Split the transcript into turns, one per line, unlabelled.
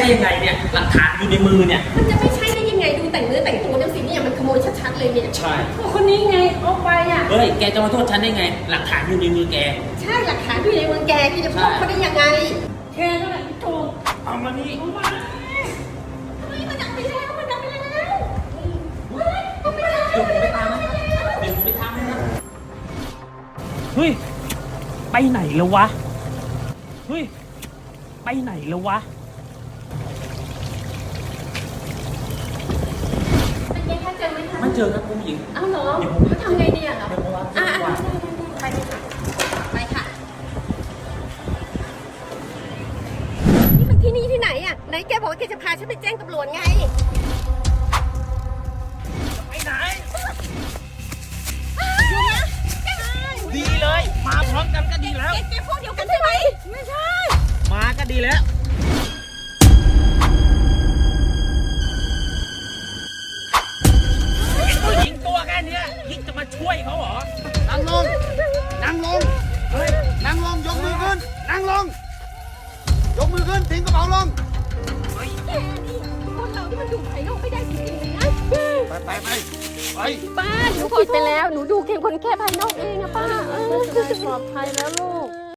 ยังไงเนี่ยหลักฐานอยู่ในมือเนี่ย
มันจะไม่ใช่ได้ยังไงดูแต่งเนื้อแต่งตัวจังสิเนี่ยมันขโมยชัดๆเลยเนี่ย
ใช่
คนนี้ไงเอาไปอ่ะ
เฮ้ยแกจะมาโทษฉันได้ไงหลักฐานอยู่ในมือแก
ใช่หลักฐานอยู่ในมือแกที่จะพบเขาได้ยังไงแกนั่นแหละโจร
เอามานี่
เอามาเฮ้ยมันดับไปแล้วมันดับไปแล้วเฮ้ยมันไปแล้ว
เดี๋ยวผมไปตามนะเดี๋ยวผมไปตามนะเฮ้ยไปไหนแล้ววะเฮ้ยไปไหนแล้ววะ
เป็นไงคะเจอไหมคะ
ไม่เจอครับคุณหญิง
อ้าวเหรอเขาทำไงดีอ่ะเราไปค่ะไปค่ะนี่มันที่นี่ที่ไหนอ่ะไหนแกบอกว่าแกจะพาฉันไปแจ้งตำรวจไง
ไปไหน
อยู่นะ
ดีเลยมาพร้อมกันก็ดีแล้ว
แกพวกเดียวกันใช่ไหมไม่ใช่
มาก็ดีแล้วผู้หญิงตัวแค่นี้ยิ่งจะมาช่วยเขาเหรอ
นั่งลงนั่งลงเฮ้ยนั่งลงยกมือขึ้นนั่งลงยกมือขึ้นทิ้งกระเป๋าลง
แกนี่คนเราที่มันดูภายนอกไม่ได้จริงๆเลยนะ
ไป
ป้าหนูผิดไปแล้วหนูดูเพียงคนแค่ภายนอกเองอะป้า
จะได้ปลอดภัยแล้วลูก